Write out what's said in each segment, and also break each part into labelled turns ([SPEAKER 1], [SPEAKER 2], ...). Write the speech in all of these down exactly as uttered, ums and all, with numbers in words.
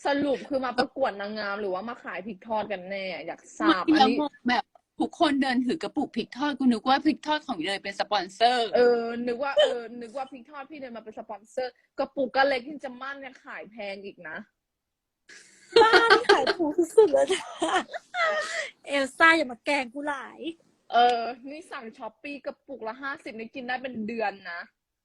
[SPEAKER 1] สรุปคือมาประกวดนางงามหรือว่ามาขายพริกทอดกันแน่อยากทรา
[SPEAKER 2] ไม่
[SPEAKER 1] บอัน
[SPEAKER 2] แล้ว
[SPEAKER 1] นี้
[SPEAKER 2] งงแบบทุกคนเดินถือกระปุกพริกทอดกูนึกว่าพริกทอดของเลยเป็นสปอนเซอร์
[SPEAKER 1] เออนึกว่าเออนึกว่าพริกทอดพี่เดินมาเป็นสปอนเซอร์กระปุกก็เล็กที่จะมั่นเนี่ยขายแพงอีกนะ
[SPEAKER 3] บ้านขายถูกสุดเลยนะเอลซ่าอย่ามาแกล้งกูหลาย
[SPEAKER 1] เออนี่สั่งช้อปปี้กระปุกละห้าสิบนี่กินได้เป็นเดือนนะ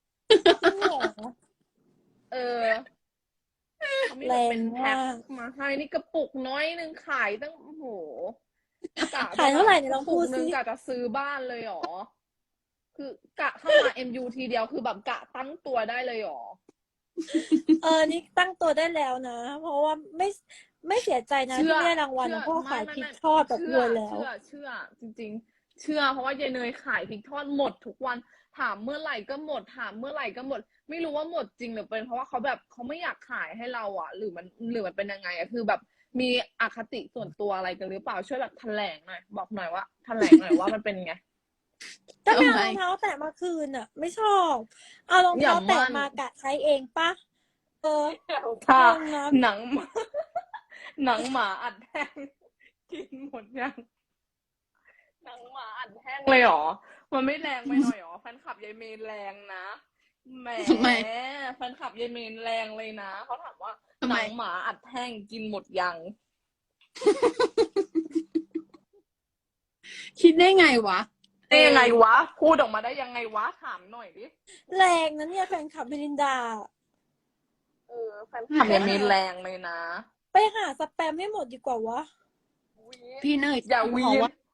[SPEAKER 1] เออเขามีแบบเป็นแพ็คมาให้นี่กระปุกน้อยนึงขายตั้งโอ้โห
[SPEAKER 3] ขายเท่าไหร่เนี่ยลองพูด
[SPEAKER 1] นึ
[SPEAKER 3] สิ
[SPEAKER 1] งกะจะซื้อบ้านเลยหรอคือกะเข้ามา เอ็ม ยู ทีเดียวคือแบบกะตั้งตัวได้เลยหรอ
[SPEAKER 3] เออนี่ตั้งตัวได้แล้วนะเพราะว่าไม่ไม่เสียใจนะที่ได้รางวัลเพราะขายพริกทอดแบบรวยแล้ว
[SPEAKER 1] เชื่อเชื่อจริงๆเชื่อเพราะว่ายายเนยขายพริกทอดหมดทุกวันถามเมื่อไหร่ก็หมดถามเมื่อไหร่ก็หมดไม่รู้ว่าหมดจริงหรือเป็นเพราะว่าเขาแบบเขาไม่อยากขายให้เราอ่ะหรือมันหรือมันเป็นยังไงอ่ะคือแบบมีอคติส่วนตัวอะไรกันหรือเปล่าช่วยแบบแถลงหน่อยบอกหน่อยว่าแถลงหน่อยว่ามันเป็นไง
[SPEAKER 3] ถ้าไม่เอารองเท้าแตะมาคืนอ่ะไม่ชอบเอารองเท้าแตะมากะใช้เองปะเออ
[SPEAKER 1] ค่ะหนังหนังหมาอัดแห้งกินหมดยังหนังหมาอัดแห้งเลยหรอมันไม่แรงไปหน่อยหรอแฟนคลับยายเมนแรงนะแหมแฟนคลับยายเมนแรงเลยนะเขาถามว่าหนังหมาอัดแห้งกินหมดยัง
[SPEAKER 2] คิดได้ไงวะ
[SPEAKER 1] ได้ยังไงวะพูดออกมาได้ยังไงวะถามหน่อยดิ
[SPEAKER 3] แรงนะเนี่ยแฟนคลับเบลินดา
[SPEAKER 1] เออแฟนคลับยายเมนแรงเลยนะ
[SPEAKER 3] ไปหาสแปมให้หมดดีกว่าวะ
[SPEAKER 2] พี่เนย
[SPEAKER 1] อย่าวีน